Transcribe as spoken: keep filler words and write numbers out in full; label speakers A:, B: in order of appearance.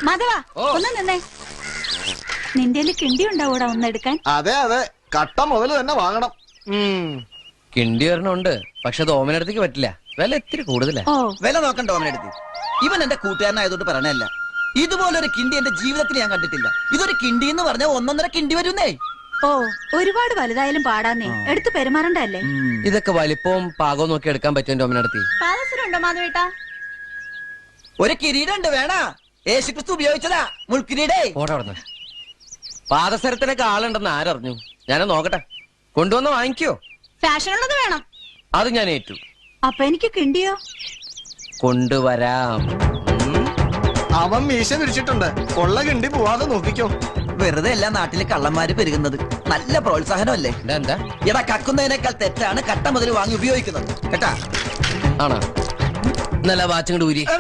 A: മാധവ ഒന്ന് നിന്നേ. നിന്റെ കിണ്ടി ഉണ്ടാവൂടാ ഒന്നെടുക്കാൻ?
B: അതെ അതെ, കട്ട മുതൽ തന്നെ വാങ്ങണം.
C: കിണ്ടി ഒരെണ്ണമുണ്ട്, പക്ഷെ അത് ഓമനടുത്തേക്ക് പറ്റില്ല, വില ഇത്തിരി കൂടുതലാ.
A: ഓ
D: വില നോക്കണ്ട ഓമനടുത്ത്. ഇവൻ എന്റെ കൂട്ടുകാരനായതുകൊണ്ട് പറയണല്ല. ഇതുപോലൊരു കിണ്ടി എന്റെ ജീവിതത്തിൽ ഞാൻ കണ്ടിട്ടില്ല. ഇതൊരു കിണ്ടി എന്ന് പറഞ്ഞാൽ ഒന്നൊന്നര കിണ്ടി വരുന്നേ.
A: ഓ ഒരുപാട് വലുതായാലും പാടാന്നേ, എടുത്ത് പെരുമാറണ്ടല്ലേ.
C: ഇതൊക്കെ വലിപ്പവും പാകവും നോക്കി എടുക്കാൻ പറ്റും ഓമനടുത്ത്.
A: പാദസരമുണ്ടോ മാധവേട്ടാ?
D: ഒരു കിരീടമുണ്ട്, വേണ? യേശുക്രിസ്തു ഉപയോഗിച്ചതാ മുൾക്കിരീടേ.
C: ഓടെ അവിടെ പാദസരത്തിനൊക്കെ ആളുണ്ടെന്ന് ആരറിഞ്ഞു? ഞാനത് നോക്കട്ടെ, കൊണ്ടുവന്ന് വാങ്ങിക്കോ.
A: ഫാഷൻ ഉള്ളത് വേണം.
C: അത് ഞാൻ ഏറ്റു.
A: അപ്പൊ എനിക്ക് കിണ്ടിയോ?
C: കൊണ്ടുവരാം.
B: അവൻ മീശ വിരിച്ചിട്ടുണ്ട്, കൊള്ള കിണ്ടി പോവാതെ നോക്കിക്കോ.
D: വെറുതെ എല്ലാ നാട്ടിലെ കള്ളന്മാര് പെരുകുന്നത്. നല്ല പ്രോത്സാഹനമല്ലേ?
C: എന്താ
D: എടാ, കക്കുന്നതിനേക്കാൾ തെറ്റാണ് കട്ട മുതൽ വാങ്ങി ഉപയോഗിക്കുന്നത് കേട്ടാ.
C: ആണോ? നല്ല വാച്ചും കൂടി ഊരി.